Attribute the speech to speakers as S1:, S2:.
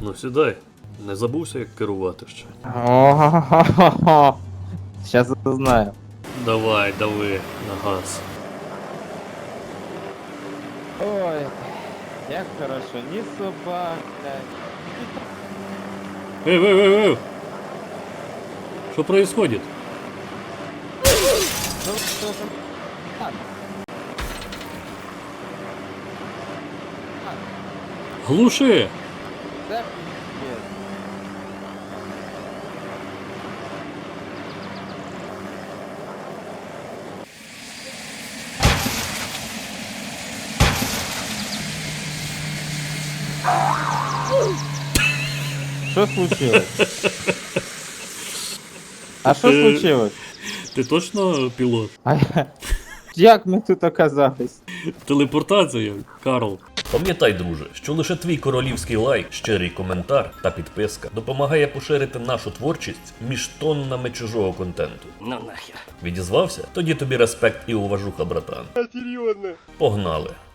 S1: Ну сідай. Не забувся, як керувати ще.
S2: О-хо-хо-хо. Сейчас узнаю.
S1: Давай, дави на газ.
S2: Ой, як хорошо, ні собак, блядь.
S1: Эй! Что происходит?
S2: Ну, що там? Так,
S1: Глуши!
S2: це пиздец. Що случилось? А що случилось?
S1: Ти точно пілот?
S2: А як ми тут оказались?
S1: Телепортація, Карл. Пам'ятай, друже, що лише твій королівський лайк, щирий коментар та підписка допомагає поширити нашу творчість між тоннами чужого контенту. Ну нахер. Відізвався? Тоді тобі респект і уважуха, братан. Серйозно. Погнали.